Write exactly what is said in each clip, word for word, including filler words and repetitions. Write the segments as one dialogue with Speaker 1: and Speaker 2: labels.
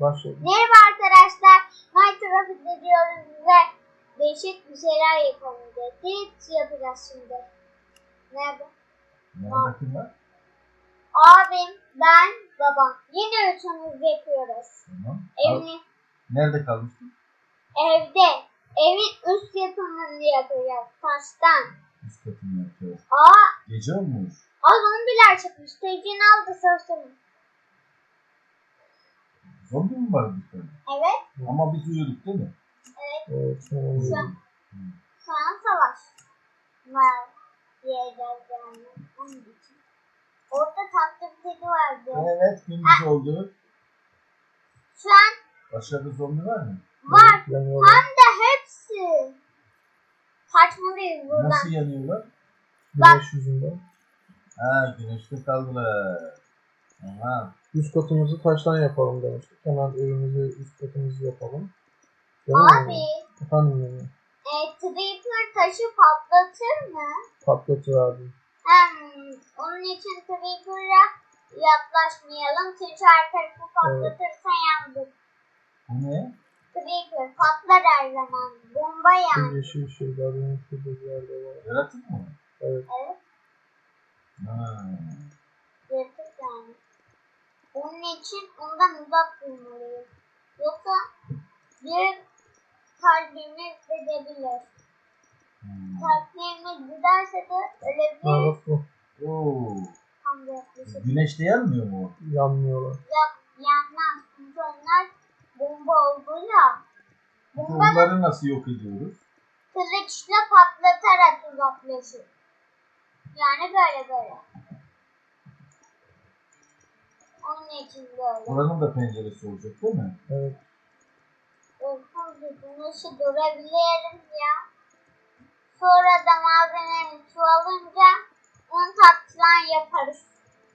Speaker 1: Başladı.
Speaker 2: Merhaba arkadaşlar. Minecraft ediyoruz ve değişik bir şeyler yapalım dedik. Yapacağız şimdi. Nerede?
Speaker 3: Nerede kim var?
Speaker 2: Abim, ben, babam. Yine üçümüz yapıyoruz.
Speaker 3: Tamam.
Speaker 2: Evini,
Speaker 3: Nerede kalmıştın?
Speaker 2: evde. Evin üst yapımını yapacağız. Taştan.
Speaker 3: Üst katını yapacağız.
Speaker 2: Aa,
Speaker 3: Gece olmuş.
Speaker 2: o zombiler çıkmış. Tecini aldı sözümü.
Speaker 3: Zombi mi var dışarıda?
Speaker 2: Evet.
Speaker 3: Ama biz uyuduk değil mi?
Speaker 1: Evet, tamam.
Speaker 2: Şu an, şu an savaş var diyeceğiz yani. Onun için. Orada tatlı bir kedi vardı.
Speaker 3: Evet, gündüz oldu.
Speaker 2: Şu an
Speaker 3: Başka bir zombi var mı?
Speaker 2: var.
Speaker 1: Yanıyorlar.
Speaker 2: Hem de hepsi. Kaçmalıyız buradan.
Speaker 3: Nasıl yanıyorlar?
Speaker 1: Güneş yüzünden.
Speaker 3: Ha, güneşte kaldılar. Tamam.
Speaker 1: Üst katımızı taştan yapalım demiştik. Hemen evimizi, üst katımızı yapalım. Değil mi?
Speaker 2: Abi,
Speaker 1: Efendim yani.
Speaker 2: e, Creeper taşı patlatır mı?
Speaker 1: Patlatıverdim.
Speaker 2: Hem onun için Creeper'a yaklaşmayalım. Çünkü her tarafı patlatırsa yandık.
Speaker 3: Bu ne?
Speaker 2: Creeper patlar her zaman. Bomba
Speaker 1: Şu
Speaker 2: yani.
Speaker 1: yeşil şeyler benim şurada bir yerde var.
Speaker 3: Yaratık mı?
Speaker 1: Evet.
Speaker 2: Evet.
Speaker 3: Ha.
Speaker 2: Yırtık yani. Onun için ondan uzak durmalıyız. Yoksa bir kalbimiz gidebilir.
Speaker 3: Hmm.
Speaker 2: Kalplerimiz giderse de
Speaker 1: Ha
Speaker 2: ölebiliriz.
Speaker 1: bak bu.
Speaker 3: Oo.
Speaker 2: Tam da yaklaşık.
Speaker 3: Güneşte yanmıyor mu?
Speaker 1: Yanmıyorlar.
Speaker 2: Yak, yanmaz. Çünkü onlar bomba olduğuyla
Speaker 3: Peki
Speaker 2: bombanın
Speaker 3: onları nasıl yok ediyoruz?
Speaker 2: kılıçla patlatarak uzaklaşır. Yani böyle böyle. Onun için böyle.
Speaker 3: Buranın da penceresi olacak değil mi?
Speaker 1: Evet.
Speaker 2: Olsun ki güneşi görebiliriz ya. Sonra da malzemenin çoğalınca onu tatlıdan yaparız.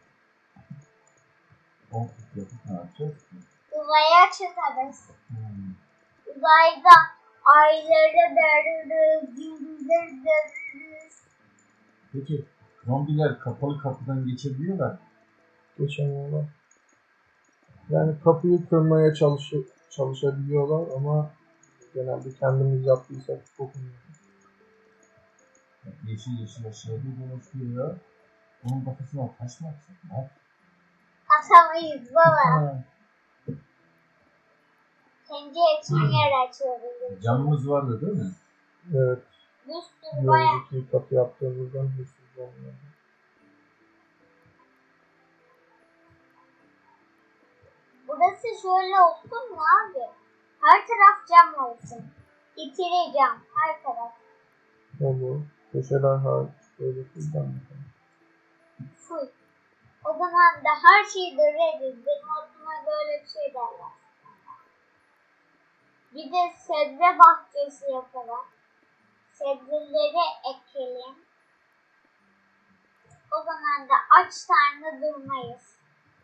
Speaker 3: On kut yapıp ne yapacağız ki?
Speaker 2: Uzaya çıkarız.
Speaker 3: Hmm.
Speaker 2: Uzayda ayları dörürüz, yıldızları dörürüz.
Speaker 3: Peki zombiler kapalı kapıdan geçebiliyorlar mı?
Speaker 1: Geçemiyorlar. Yani kapıyı kırmaya çalışı, çalışabiliyorlar ama genelde kendimiz yaptıysak çok iyi.
Speaker 3: Bak, yeşil yeşil aşağıda dolaşıyor ya. Onun kafasına taş mı atsak? Ne yap?
Speaker 2: Atamayız baba.
Speaker 3: Ha,
Speaker 2: Kendi için yer açıyoruz.
Speaker 3: camımız vardı değil mi?
Speaker 1: Evet.
Speaker 2: Bir sürü
Speaker 1: Bir
Speaker 2: bayağı.
Speaker 1: önceki kapı yaptığımızdan hiçbir olmuyor.
Speaker 2: Burası şöyle olsun mu abi? Her taraf cam olsun. İkili cam. Her taraf.
Speaker 1: Olur. Köşeler hariç böyle kızdan
Speaker 2: Full. O zaman da her şeyi döveriz. Benim aklıma böyle bir şey derler. Bir de sebze bahçesi yapalım. Sebzeleri ekelim. O zaman da aç karnı durmayız.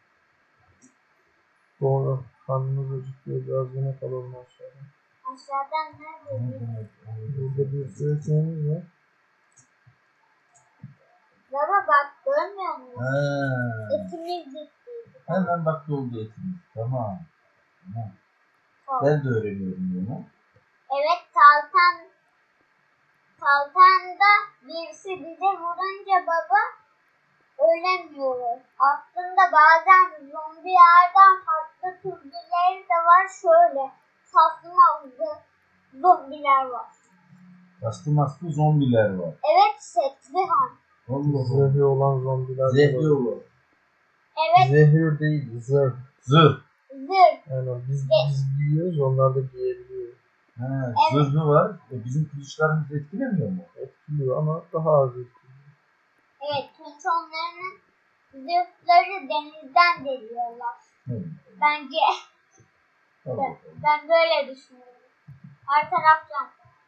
Speaker 1: Doğru. Karnımız acıkıyor. Biraz yemek alalım aşağıdan.
Speaker 2: Aşağıdan nerede?
Speaker 1: Burada bir sürü ekmeğimiz var.
Speaker 2: Baba bak görmüyor musun?
Speaker 3: Ha.
Speaker 2: Etimiz gitti.
Speaker 3: Hemen bak doldu etimiz. Tamam. Tamam.
Speaker 2: Tamam.
Speaker 3: Ben de öğreniyorum bunu.
Speaker 2: Evet Talkan Talkan'da birisi bize vurunca baba ölemiyoruz. Aslında bazen zombilerden farklı türleri de var şöyle. Tasmalı zombiler var.
Speaker 3: Bastı maskı zombiler var.
Speaker 2: Evet setli han.
Speaker 3: Allah Allah.
Speaker 1: Zehri olan zombiler. de
Speaker 3: Zehri
Speaker 1: var.
Speaker 3: olur.
Speaker 2: Evet
Speaker 1: Zehir değil, zırh.
Speaker 3: Zırh.
Speaker 2: zırh.
Speaker 1: Yani biz, biz giyiyoruz, onlar da giyebiliyor.
Speaker 3: Ha,
Speaker 2: Evet.
Speaker 3: zırhı var. E, bizim kılıçlarımız etkilemiyor mu?
Speaker 1: Etkiliyor ama daha az etkiliyor.
Speaker 2: Evet çünkü onların zırhları denizden geliyorlar.
Speaker 3: Evet.
Speaker 2: Bence
Speaker 3: Allah
Speaker 2: ben,
Speaker 3: Allah.
Speaker 2: ben böyle düşünüyorum. Her taraftan.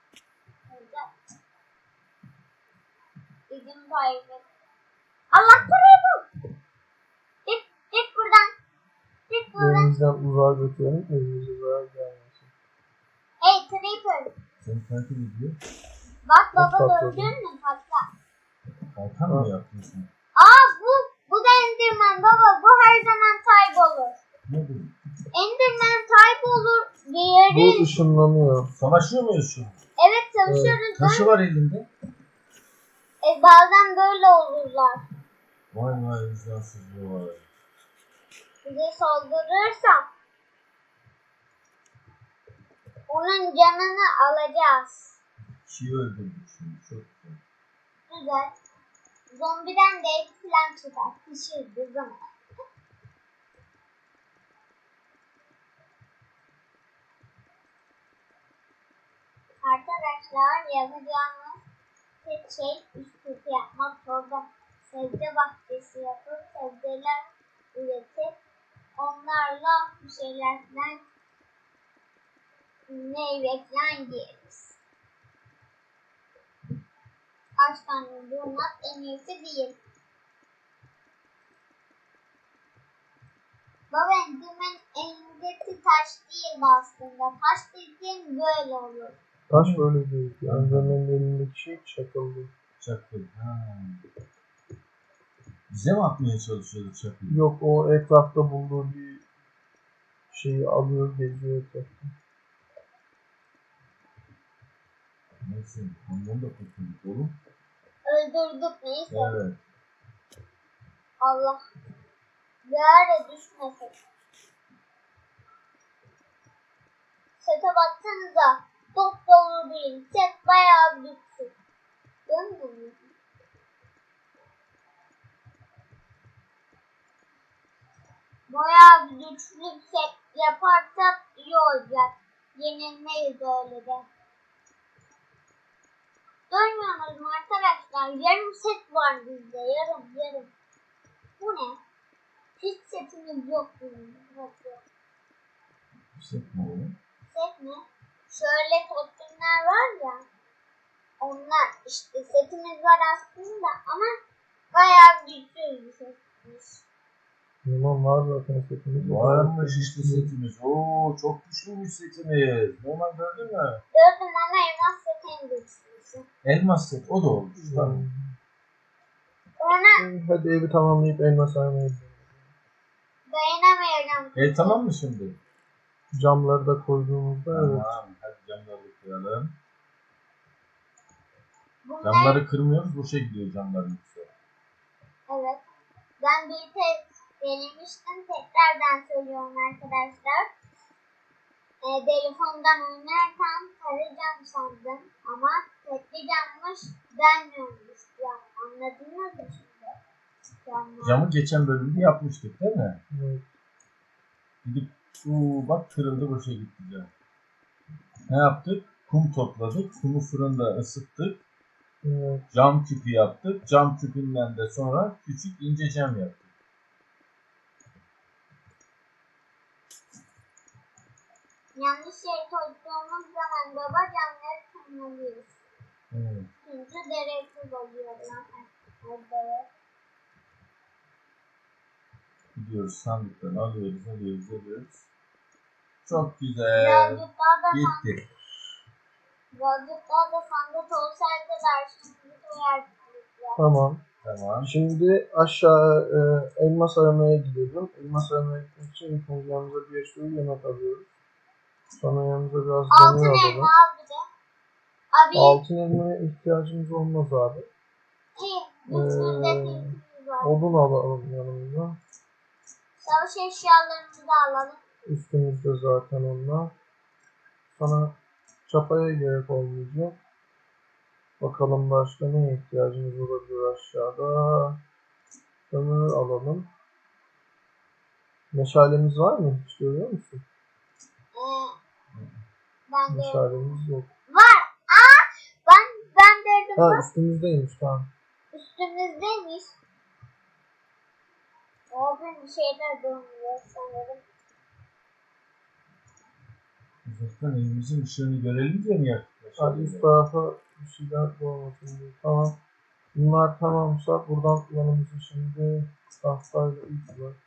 Speaker 2: Bizim kaybet. Allah burayı bul. Git, git buradan. Git buradan.
Speaker 1: Elimizden uzağa götürelim, elimize zarar gelmesin.
Speaker 2: Hey Creeper.
Speaker 3: Seni takip ediyor.
Speaker 2: Bak baba
Speaker 1: Patladı.
Speaker 2: gördün mü patla.
Speaker 3: Kalkan mı yaptın sen?
Speaker 2: Aa bu, bu da Enderman baba. Bu her zaman kaybolur.
Speaker 3: Ne bu?
Speaker 2: Enderman kaybolur
Speaker 1: Bu
Speaker 2: diğeri.
Speaker 1: ışınlanıyor.
Speaker 3: Savaşıyor muyuz şu an?
Speaker 2: Evet savaşıyoruz.
Speaker 3: Taşı var elinde.
Speaker 2: E, bazen böyle olurlar.
Speaker 3: Vay vay vicdansız vay.
Speaker 2: Bize saldırırsa onun canını alacağız.
Speaker 3: Kişiyi öldürdük şimdi çok güzel.
Speaker 2: Güzel. Zombiden de et falan çıkar. Pişirdi zaman. Arkadaşlar yapacağımız tek şey üst kötü yapmak. Orada sebze bahçesi yapıp sebzeler üretip onlarla bir şeyler falan meyve falan yeriz. Kaç tane durmak en iyisi değil. Baba endirmen elindeki taş değil aslında. Taş dediğin böyle olur.
Speaker 1: Taş böyle değil. Enderman'in elindeki şey çakıldı.
Speaker 3: Çakıl. Ha. Bize mi atmaya çalışıyordu çakıl?
Speaker 1: Yok, o etrafta bulduğu bir şeyi alıyor, geziyor etrafta.
Speaker 3: Neyse ondan da kurtulduk oğlum.
Speaker 2: Öldürdük neyse.
Speaker 3: Evet.
Speaker 2: Allah. Yere düşmesin. Sete baksanıza. Top dolu değil. Set bayağı büyük. Görmüyor musun? Bayağı bir güçlü set yaparsak iyi olacak. Yenilmeyiz öyle de. Görmüyorsunuz mu arkadaşlar? Yarım set var bizde. Yarım yarım. Bu ne? Hiç setimiz yok bizim. Yok yok.
Speaker 3: Set mi oğlum?
Speaker 2: Set mi? Şöyle totemler var ya. Onlar işte setimiz var aslında ama bayağı güçlü bir setmiş.
Speaker 1: Yaman var zaten setimiz.
Speaker 3: Varmış işte setimiz. Oo çok güçlüymüş setimiz. Normal gördün mü?
Speaker 2: Gördüm ama elmas set en güçlüsü.
Speaker 3: Elmas set o da olmuş. Tamam.
Speaker 2: Ona
Speaker 1: Hadi evi tamamlayıp elma sarmaya gidelim.
Speaker 2: dayanamayacağım.
Speaker 3: E tamam mı şimdi?
Speaker 1: Camları da koyduğumuzda evet.
Speaker 3: Tamam. Hadi camları kıralım.
Speaker 2: Bunlar,
Speaker 3: Camları kırmıyoruz. Boşa gidiyor camların üstü.
Speaker 2: evet. Ben bir tek denemiştim. Tekrardan söylüyorum arkadaşlar. E, telefondan oynarken tarayacağım sandım. Ama tekli cammış denmiyormuş. Ya, anladınız mı şimdi? Camlar.
Speaker 3: Camı geçen bölümde yapmıştık değil mi?
Speaker 1: Evet.
Speaker 3: Gidip uu, bak kırıldı boşa gitti cam. Ne yaptık? Kum topladık. Kumu fırında ısıttık.
Speaker 1: Evet.
Speaker 3: Cam küpü yaptık. Cam küpünden de sonra küçük ince cam yaptık.
Speaker 2: Yanlış yere koyduğumuz zaman baba camları kırmalıyız.
Speaker 3: Evet.
Speaker 2: Çünkü gereksiz oluyor. Yani.
Speaker 3: Gidiyoruz sandıktan alıyoruz, alıyoruz, alıyoruz. Çok güzel.
Speaker 2: Birazcık daha da
Speaker 3: Gitti.
Speaker 2: Birazcık daha da sandık olsaydı dersimizi koyardık.
Speaker 1: Tamam.
Speaker 3: Tamam.
Speaker 1: Şimdi aşağı e, elmas aramaya gidelim. Elmas aramaya gitmek için ilk önce yanımıza bir sürü yemek alıyoruz. Sonra yanımıza biraz
Speaker 2: Altın
Speaker 1: demir
Speaker 2: elma
Speaker 1: alalım.
Speaker 2: al bir de. Abi
Speaker 1: Altın elmaya ihtiyacımız olmaz abi.
Speaker 2: iyi. Bütünde
Speaker 1: Ee,
Speaker 2: filtrimiz var.
Speaker 1: Odun alalım yanımıza.
Speaker 2: Savaş eşyalarımızı da alalım.
Speaker 1: Üstümüzde zaten onlar. Sonra çapaya gerek olmayacak. Bakalım başka neye ihtiyacımız olabilir aşağıda. Kömür alalım. Meşalemiz var mı? Hiç görüyor musun?
Speaker 2: Ee, ben de
Speaker 1: Meşalemiz yok.
Speaker 2: var. Aa, ben ben dedim
Speaker 1: Ha,
Speaker 2: bak
Speaker 1: üstümüzdeymiş, tamam.
Speaker 2: üstümüzdeymiş. Orada bir şeyler dönüyor sanırım.
Speaker 3: Uzaktan evimizin ışığını görelim diye mi yaktık?
Speaker 1: Hadi üst tarafa bir şeyler koymasın diye. Tamam. Bunlar tamamsa buradan yanımıza şimdi tahtayla ilk var.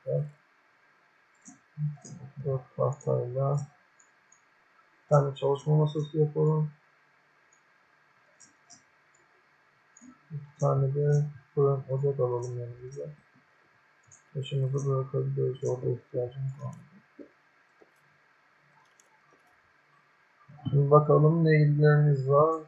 Speaker 1: Dört tahtayla bir tane çalışma masası yapalım. Bir tane de fırın ocak alalım yanımıza. Başımızı bırakabiliyoruz. Orada ihtiyacımız var. Şimdi bakalım ne ilgilerimiz var.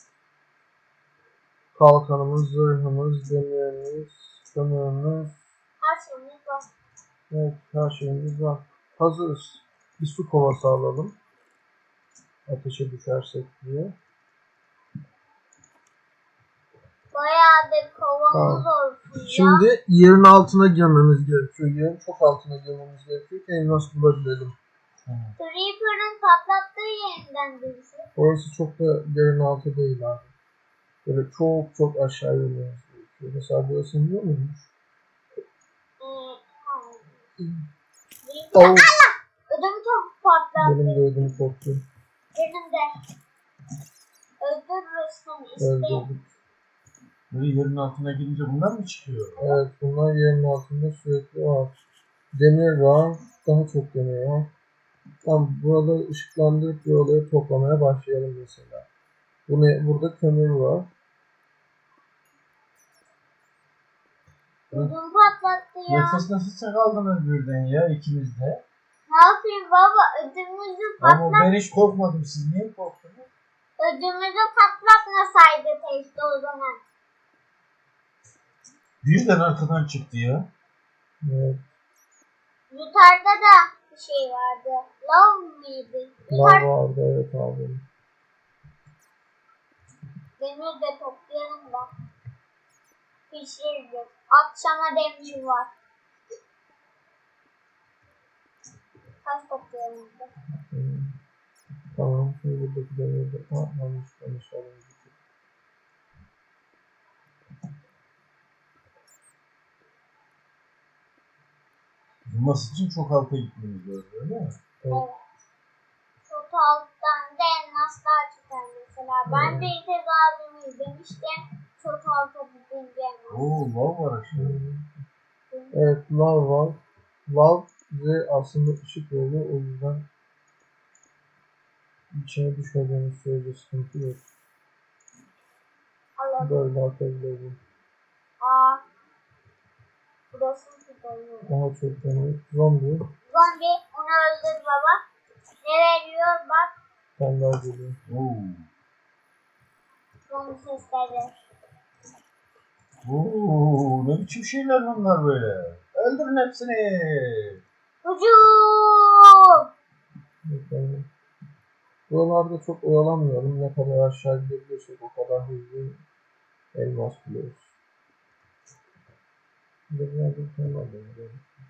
Speaker 1: Kalkanımız, zırhımız, demirimiz, kömürümüz.
Speaker 2: Her şeyimiz var.
Speaker 1: Evet, her şeyimiz var. Hazırız. Bir su kovası alalım. Ateşe düşersek diye.
Speaker 2: Bayağı bir kovamız
Speaker 1: Tamam.
Speaker 2: olsun ya.
Speaker 1: Şimdi yerin altına girmemiz gerekiyor. Yerin çok altına girmemiz gerekiyor ki elmas bulabilelim.
Speaker 2: Creeper'ın patlattığı yerinden birisi.
Speaker 1: Orası çok da yerin altı değil abi. Böyle çok çok aşağı inmemiz gerekiyor. Mesela burası biliyor muymuş?
Speaker 2: Ee, hayır.
Speaker 1: Oh,
Speaker 2: Allah! Ödüm çok patlattı.
Speaker 1: benim de ödüm koptu.
Speaker 2: Benim de. Öldürürsün işte.
Speaker 1: Öldürdük.
Speaker 3: Böyle yerin altına girince bunlar mı çıkıyor?
Speaker 1: Evet, bunlar yerin altında sürekli var. Demir var. Daha çok demir var. Tamam, buraları ışıklandırıp buraları toplamaya başlayalım mesela. Bu ne? Burada kömür var.
Speaker 2: Ödüm patlattı ya.
Speaker 3: Nefes nefese kaldınız birden ya ikiniz de.
Speaker 2: Ne yapayım baba? Ödümüzü
Speaker 3: Ama
Speaker 2: patlat.
Speaker 3: ben hiç korkmadım. Siz niye korktunuz?
Speaker 2: Ödümüzü patlatmasaydı teyze o zaman.
Speaker 3: Birden arkadan çıktı ya.
Speaker 1: Evet.
Speaker 2: Yukarıda da bir şey vardı. Love mıydı?
Speaker 1: Lav
Speaker 2: Yukarı
Speaker 1: vardı, evet abi.
Speaker 2: demir de toplayalım da. Pişiririz. Akşama demir var. Kaç toplayalım da.
Speaker 1: Hmm. Tamam, şimdi buradaki demiri de... Ha, yanlış yanlış alalım.
Speaker 3: Bulması için çok alta gitmemiz lazım öyle mi?
Speaker 2: Evet. Çok alttan da elmaslar çıkar mesela. Ben de İtez abimi izlemiştim. Çok alta gidince elmas.
Speaker 3: Oo lav var aşağıda.
Speaker 1: Hmm. Evet, lav var. Lav bize aslında ışık veriyor, o yüzden içine düşmediğimiz sürece sıkıntı yok.
Speaker 2: Alalım.
Speaker 1: Böyle atabilirim.
Speaker 2: Aa. Burası tutuyor.
Speaker 1: Daha çok demir. Zombi.
Speaker 2: Zombi onu öldür baba. Ne veriyor bak.
Speaker 1: Ben daha geliyor.
Speaker 3: Oo.
Speaker 2: Zombi sesleri.
Speaker 3: Oo, ne biçim şeyler bunlar böyle? Öldürün hepsini.
Speaker 2: Hücum.
Speaker 1: Yani buralarda çok oyalanmayalım. Ne kadar aşağı gidebilirsek o kadar hızlı elmas buluyoruz. Bir de nerede bir tane var benim.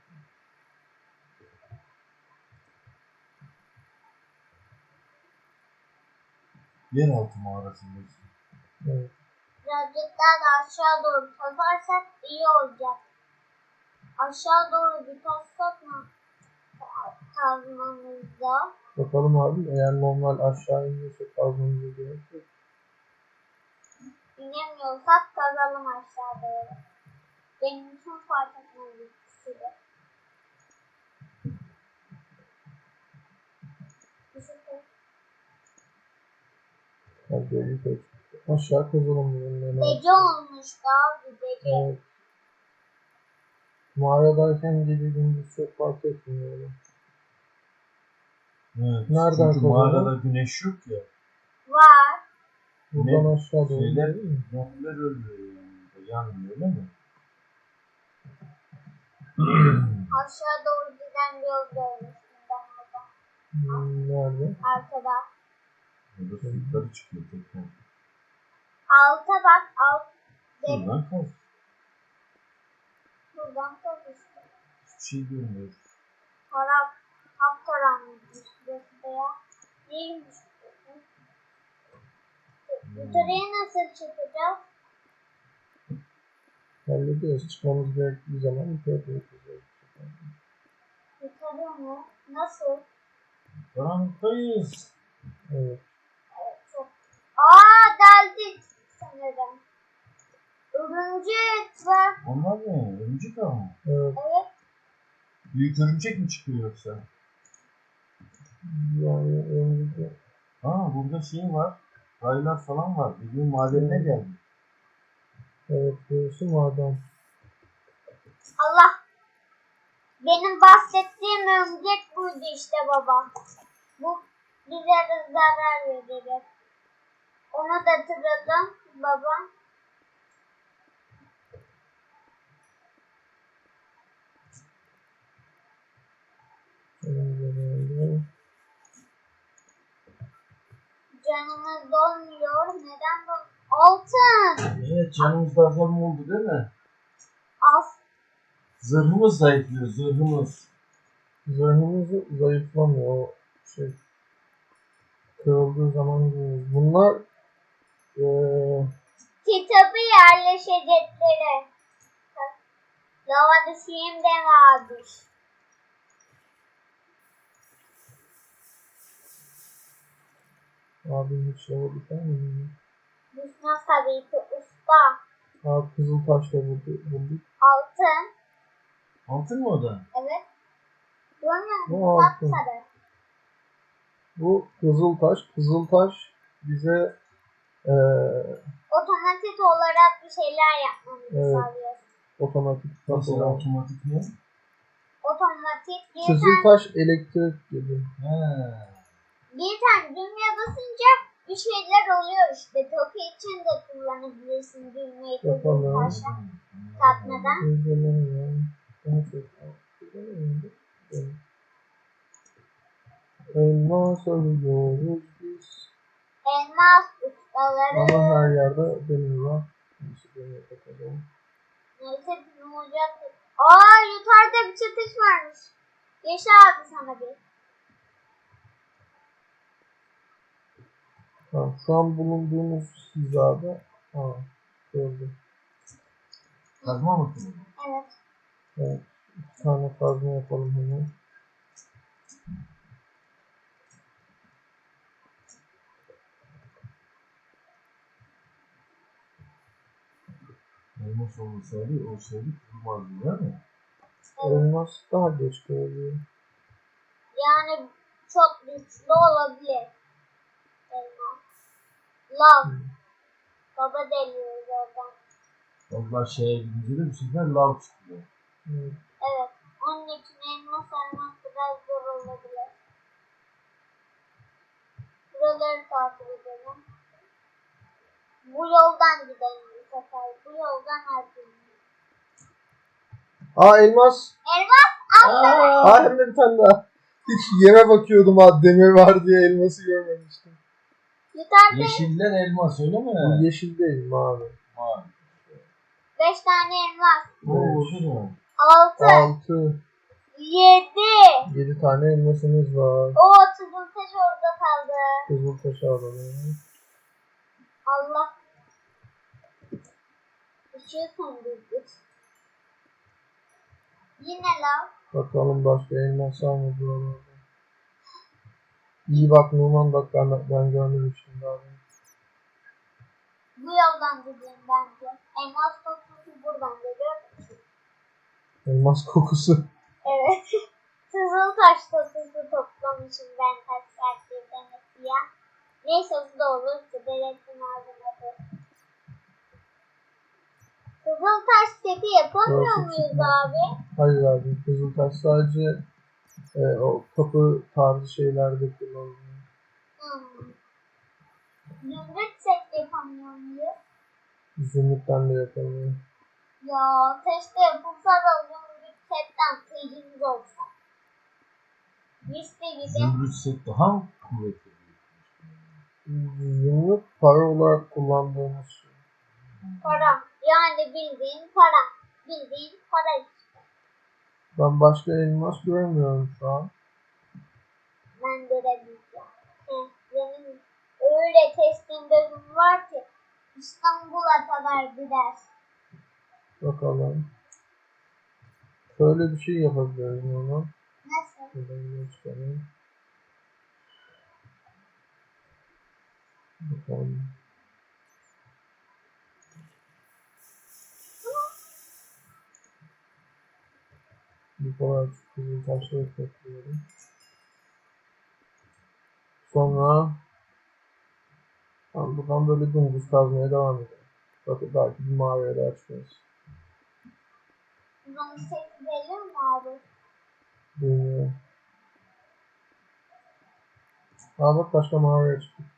Speaker 3: Yeraltı mağarasındayız.
Speaker 1: Evet.
Speaker 2: Birazcık daha da aşağı doğru kazarsak iyi olacak. Aşağı doğru bir kazsak mı? Kazmamızda.
Speaker 1: Bakalım abi, eğer normal aşağı iniyorsak kazmamıza gerek yok.
Speaker 2: İnemiyorsak kazalım aşağı doğru. Benim için fark etmez ikisi de.
Speaker 1: Hadi bir tek. Aşağı kazalım bunun.
Speaker 2: Gece olmuş daha bir gece.
Speaker 1: Evet. Mağaradayken gece gündüz çok fark etmiyor. Yani.
Speaker 3: Evet.
Speaker 1: Nereden
Speaker 3: Çünkü
Speaker 1: kazanıyor?
Speaker 3: mağarada güneş yok ya.
Speaker 2: Var.
Speaker 1: Buradan
Speaker 3: Ne?
Speaker 1: aşağı doğru
Speaker 3: Şeyler,
Speaker 1: değil mi?
Speaker 3: zombiler ölmüyor yani. Yanmıyor öyle mi?
Speaker 2: Aşağı doğru giden bir yol görmüştüm ben orada.
Speaker 1: Hmm, nerede?
Speaker 2: Arkada.
Speaker 3: Burada yukarı çıkıyor tekrar.
Speaker 2: Alta bak. Alt.
Speaker 3: Buradan kaz.
Speaker 2: Buradan kaz işte.
Speaker 3: Hiçbir şey görmüyor.
Speaker 2: Taraf. Alt karanlıkmış burası da ya. Neymiş burası? Yukarıya nasıl çıkacağız?
Speaker 1: Hallediyoruz. Çıkmamız gerektiği zaman yukarı çıkacağız.
Speaker 2: Yukarı mı? Nasıl?
Speaker 3: Karanlıktayız.
Speaker 1: Evet.
Speaker 2: Evet çok. Aa deldik sanırım. Örümcek var.
Speaker 3: Onlar ne? Örümcek ağı mı?
Speaker 1: Evet.
Speaker 2: Evet.
Speaker 3: Büyük örümcek mi çıkıyor yoksa?
Speaker 1: Yani önümüzde
Speaker 3: Aa burada şey var. Raylar falan var. Bizim madenine
Speaker 1: Hmm.
Speaker 3: geldi.
Speaker 1: evet burası maden.
Speaker 2: Allah. Benim bahsettiğim örümcek buydu işte baba. Bu bize de zarar verir. Onu da hatırladım babam. Canımız dolmuyor. Neden bu? Altın.
Speaker 3: Evet, canımız da azam oldu değil mi?
Speaker 2: Az.
Speaker 3: Zırhımız zayıflıyor, zırhımız.
Speaker 1: Zırhımız zayıflamıyor. O şey kırıldığı zaman görüyoruz. Bunlar eee
Speaker 2: Kitabı yerleşecekleri. Lavada şimdi abi.
Speaker 1: abi hiç şey oldu değil mi?
Speaker 2: Düşman tabii ki usta.
Speaker 1: Aa, Kızıltaş'ta bulduk. bulduk.
Speaker 2: Altın.
Speaker 3: Altın mı o da?
Speaker 2: Evet. Görmüyor musun?
Speaker 1: Bu altın.
Speaker 2: Sapsarı.
Speaker 1: Bu Kızıltaş. Kızıltaş bize eee
Speaker 2: Otomatik olarak bir şeyler yapmamızı
Speaker 1: Evet.
Speaker 2: sağlıyor.
Speaker 1: otomatik
Speaker 3: Mesela
Speaker 1: kapılar.
Speaker 3: otomatik ne?
Speaker 2: Otomatik bir tane,
Speaker 1: Kızıltaş elektrik gibi.
Speaker 3: He.
Speaker 2: bir tane düğmeye basınca bir şeyler oluyor işte. Topu için de kullanabilirsin düğmeyi
Speaker 1: Yapalım.
Speaker 2: Kızıltaş'a takmadan.
Speaker 1: Güzelemiyor. Daha çok. Güzelemiyor. Elmas arıyoruz biz.
Speaker 2: Elmas ustaları.
Speaker 1: Ama her yerde demir var. Neyse demir bakalım.
Speaker 2: Neyse bizim olacak. Aa yukarıda bir çatış varmış. Yaşa abi sana bir.
Speaker 1: Ha, şu an bulunduğumuz hizada. Ha, gördüm.
Speaker 3: Kazma mı kırıldı?
Speaker 2: Evet.
Speaker 1: Evet. İki tane kazma yapalım hemen.
Speaker 3: Elmas olsaydı, olsaydı kırılmazdı değil mi?
Speaker 1: Elmas daha geç görülüyor.
Speaker 2: Yani çok güçlü olabilir. Elmas. Lav. Baba deliyoruz oradan.
Speaker 3: Onlar şeye gidince de bir sefer lav çıkıyor.
Speaker 1: Evet.
Speaker 2: Evet. Onun için elmas almak biraz zor olabilir. Buraları takip edelim. Bu yoldan gidelim bu sefer. Bu yoldan her türlü.
Speaker 1: Aa elmas.
Speaker 2: Elmas alsana.
Speaker 1: Aa hem de bir tane daha. Hiç yere bakıyordum ha demir var diye elması görmemiştim.
Speaker 2: Yukarıda
Speaker 3: Yeşiller elmas öyle mi?
Speaker 1: Bu yeşil değil mavi.
Speaker 3: Var.
Speaker 2: beş tane elmas.
Speaker 3: Oo,
Speaker 1: Beş.
Speaker 3: değil mi?
Speaker 2: Altı.
Speaker 1: Altı.
Speaker 2: Yedi.
Speaker 1: Yedi tane elmasımız var.
Speaker 2: O Kızıltaş orada kaldı.
Speaker 1: Kızıltaş'ı alalım.
Speaker 2: Allah. Işığı söndürdük. Yine lav.
Speaker 1: Bakalım başka elmas var mı buralarda? İyi bak Numan bak ben, ben görmemiştim daha önce.
Speaker 2: Bu yoldan gideyim bence. Elmas kokusu buradan geliyor.
Speaker 1: Elmas kokusu.
Speaker 2: Evet. Kızıltaş kokusu toplamışım ben kaç saattir demek ya. Neyse o da olur. Sigaretin ağzına da. Kızıltaş seti yapamıyor
Speaker 1: Burası
Speaker 2: muyuz
Speaker 1: çıkmaz.
Speaker 2: abi?
Speaker 1: Hayır abi Kızıltaş sadece e, o kapı tarzı şeylerde kullanılıyor.
Speaker 2: Hmm. Zümrüt set yapamıyor muyuz?
Speaker 1: Zümrütten de yapılıyor.
Speaker 2: Ya keşke yapılsa da zümrüt setten kıyımız olsa. Misli gibi
Speaker 3: Zümrüt set daha kuvvetli.
Speaker 1: Zümrüt para olarak kullandığımız şey.
Speaker 2: para. Yani bildiğin para. Bildiğin para işte.
Speaker 1: Ben başka elmas görmüyorum şu an.
Speaker 2: Ben görebileceğim. Heh, benim öyle testin bölüm var ki İstanbul'a kadar gider.
Speaker 1: Bakalım. Şöyle bir şey yapabiliriz onu.
Speaker 2: Nasıl?
Speaker 1: Şuradan çıkalım. Bakalım. Bu kadar kızıl taşları topluyorum. Sonra ben buradan böyle dümdüz kazmaya devam edelim. Bakın belki bir mağaraya da açmayız.
Speaker 2: Bana set verir mi abi?
Speaker 1: Bilmiyorum. Aa bak başka mağaraya çıktık.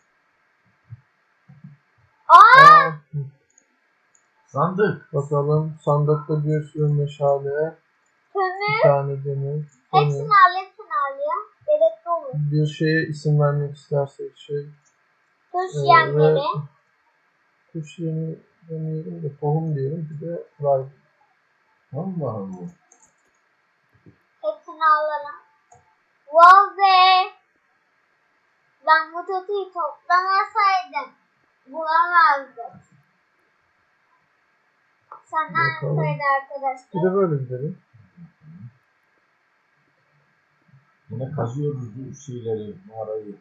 Speaker 2: Aa!
Speaker 1: Aa,
Speaker 3: Sandık.
Speaker 1: bakalım sandıkta bir sürü meşale, bir
Speaker 2: Kömür.
Speaker 1: tane demir,
Speaker 2: Hepsini
Speaker 1: demir.
Speaker 2: al, hepsini al ya. Gerekli olur.
Speaker 1: Bir şeye isim vermek istersek şey.
Speaker 2: Kuş
Speaker 1: Ee,
Speaker 2: yemleri.
Speaker 1: ve kuş yemi demeyelim de tohum diyelim, bir de rice.
Speaker 3: Allah Allah.
Speaker 2: Hepsini alalım. Wow be! Ben bu tetiği toplamasaydım bulamazdım. Sana
Speaker 1: Bakalım.
Speaker 2: söyledi
Speaker 1: Bir
Speaker 2: arkadaşlar.
Speaker 1: de böyle gidelim.
Speaker 3: Yine kazıyoruz bu şeyleri, mağarayı.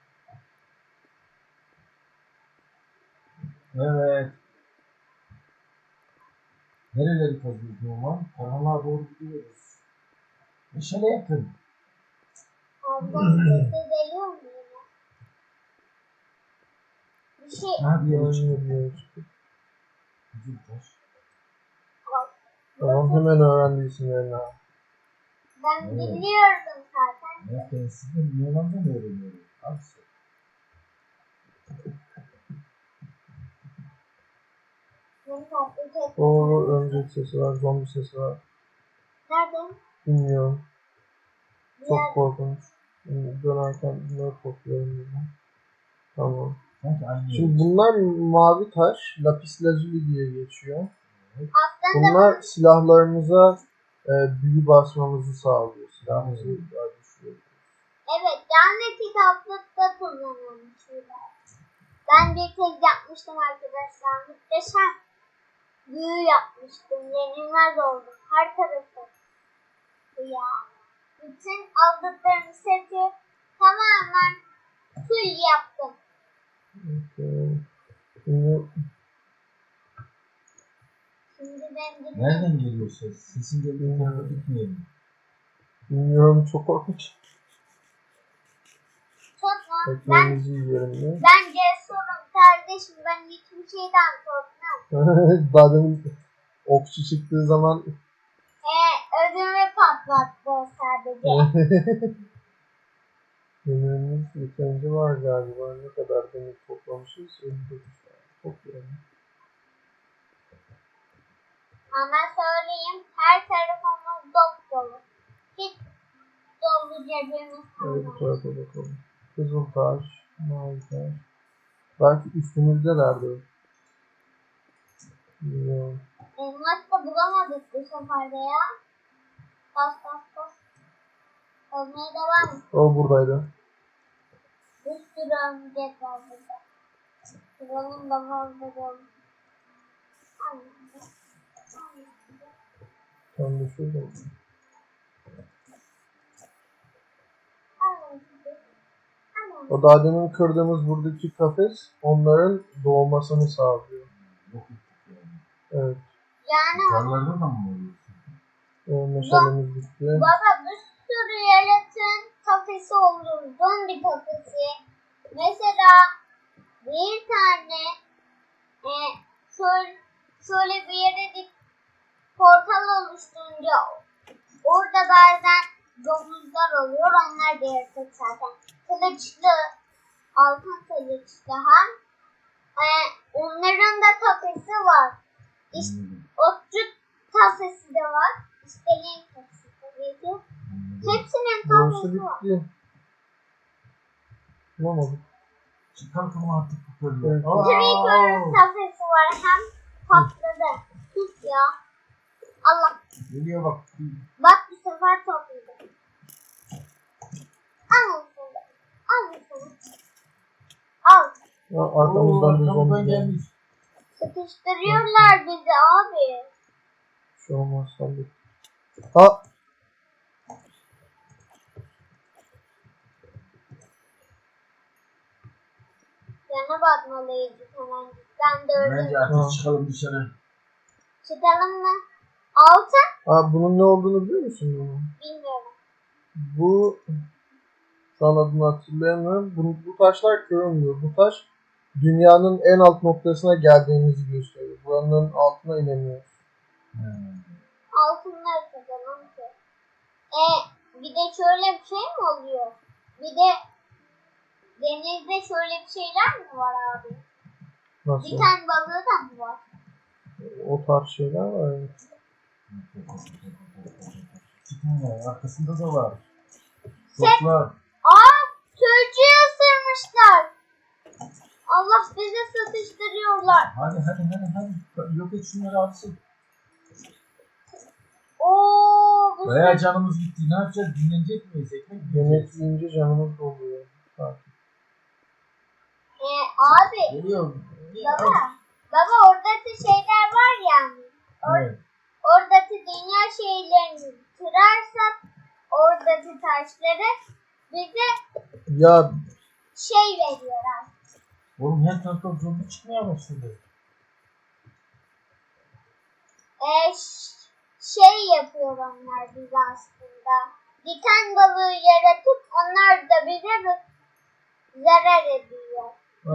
Speaker 3: Evet. Nereleri kazıyoruz normal? Karanlığa doğru gidiyoruz. Meşale yakın.
Speaker 2: Oradan sesi geliyor mu yine? Bir şey
Speaker 3: Ha bir yere çıktık.
Speaker 1: Aynı bir yere çıktık.
Speaker 3: Güzel taş.
Speaker 2: bak.
Speaker 1: Tamam, hemen öğrendi isimlerini abi.
Speaker 2: Ben
Speaker 3: Evet.
Speaker 2: biliyordum zaten.
Speaker 3: Ya ben sizin Yunan'dan öğreniyorum. Abi sen.
Speaker 2: Benim tatlı tek.
Speaker 1: O örümcek sesi var, zombi sesi var.
Speaker 2: Nerede?
Speaker 1: Bilmiyorum.
Speaker 2: Bir
Speaker 1: Çok
Speaker 2: yer-
Speaker 1: korkunç. Şimdi dönerken bunları topluyorum buradan. Tamam.
Speaker 3: Sanki aynı yere
Speaker 1: Şimdi
Speaker 3: çıktık.
Speaker 1: bunlar mavi taş, lapis lazuli diye geçiyor.
Speaker 2: Aslında
Speaker 1: Bunlar silahlarımıza e, büyü basmamızı sağlıyor. Silahımızı daha güçlü.
Speaker 2: evet, yani kitaplıkta kullanılmış şeyler. Ben bir kez yapmıştım arkadaşlar. Muhteşem büyü yapmıştım. Yenilmez oldum. Her tarafı. Bu ya. Bütün aldıklarım seti tamamen full yaptım.
Speaker 1: Okay. Şimdi
Speaker 2: Şimdi ben dinliyorum.
Speaker 3: Nereden geliyor ses? Sesin geldiği tarafa gitmeyelim.
Speaker 1: bilmiyorum, çok korkunç.
Speaker 2: Tutma. Ben,
Speaker 1: Ekmeğimizi yiyelim de.
Speaker 2: ben cesurum kardeşim. Ben hiçbir şeyden korkmam.
Speaker 1: Daha demin okçu çıktığı zaman
Speaker 2: Ee, ödümü patlattı sadece.
Speaker 1: demirimiz yeterince var galiba. Ne kadar demir toplamışız? elli dokuz tane. Toplayalım.
Speaker 2: Ama söyleyeyim, her tarafımız dop dolu. Hiç dolu cebimiz
Speaker 1: Şöyle bu
Speaker 2: kalmadı.
Speaker 1: tarafa bakalım. Kızıl taş, mavi taş. Belki üstümüzdelerdi. Bilmiyorum.
Speaker 2: Elmas da bulamadık bu sefer de ya. Bas bas bas. Olmaya devam et.
Speaker 1: O buradaydı.
Speaker 2: Bir sürü örümcek var burada. Buranın da fazla dolu.
Speaker 1: Tam da şurada. O daha demin kırdığımız buradaki kafes onların doğmasını sağlıyor.
Speaker 3: Yok ettik yani.
Speaker 1: Evet.
Speaker 2: Yani
Speaker 3: Yukarılarda da mı oluyorsun?
Speaker 1: O meşalemiz bitti.
Speaker 2: baba bir sürü yaratığın kafesi olur. Zombi kafesi. Mesela bir tane e, şöyle, şöyle bir yere dik portal oluşturunca orada bazen domuzlar oluyor. Onlar da yaratık zaten. Kılıçlı, altın kılıçlı hem. E, onların da kafesi var. İşte
Speaker 3: Anladım.
Speaker 2: otçu kafesi de var. İstediğin kafesi tabii ki.
Speaker 3: Anladım.
Speaker 2: Hepsinin
Speaker 1: Burası
Speaker 2: kafesi var.
Speaker 1: bitti. Bulamadık.
Speaker 3: Çıkartalım artık bu körleri.
Speaker 1: Evet.
Speaker 2: Creeper'ın kafesi var. Hem patladı. Pis ya. Allah.
Speaker 3: Geliyor bak.
Speaker 2: Bak bu sefer topladı. Al sana. Al sana. Al.
Speaker 1: Ya, arkamızdan bir
Speaker 3: arkamızdan
Speaker 1: zombi geldi.
Speaker 3: gelmiş.
Speaker 2: Sıkıştırıyorlar bizi abi.
Speaker 1: Bir şey olmaz sandık. Ha!
Speaker 2: Yana bakmalıydık hemen. Ben de öyle.
Speaker 3: Bence
Speaker 1: Ha.
Speaker 3: artık çıkalım dışarı.
Speaker 2: Çıkalım mı? Altın?
Speaker 1: Ha, bunun ne olduğunu biliyor musun bunu?
Speaker 2: Bilmiyorum.
Speaker 1: Bu şu an adını hatırlayamıyorum. Bu, bu taşlar kırılmıyor. Bu taş dünyanın en alt noktasına geldiğimizi gösteriyor. Buranın altına inemiyoruz.
Speaker 3: Hmm.
Speaker 2: Altınları kazanalım ki. E bir de şöyle bir şey mi oluyor? Bir de denizde şöyle bir şeyler mi var abi?
Speaker 1: Nasıl?
Speaker 2: Diken balığı da mı var?
Speaker 1: O tarz şeyler var. Evet.
Speaker 3: İki tane arkasında da var. Çoklar.
Speaker 2: Aa, sürücüyü ısırmışlar. Allah bize satıştırıyorlar.
Speaker 3: Hadi hadi hadi hadi. Yok et şunları alsın.
Speaker 2: Oo, bu
Speaker 3: Bayağı canımız gitti. Ne yapacağız? Dinlenecek miyiz? Ekmek mi
Speaker 1: Yemek
Speaker 3: yiyeceğiz?
Speaker 1: yiyince canımız doluyor. Sakin.
Speaker 2: e, abi
Speaker 3: Geliyor.
Speaker 2: baba baba oradaki şeyler var yani. Or
Speaker 3: Evet.
Speaker 2: Oradaki dünya şeylerini kırarsak oradaki taşları bize
Speaker 1: Ya
Speaker 2: şey veriyorlar.
Speaker 3: Oğlum her tarafta zombi çıkmaya başladı.
Speaker 2: E, ş- şey yapıyor onlar bize aslında. Diken balığı yaratıp onlar da bize zarar ediyor.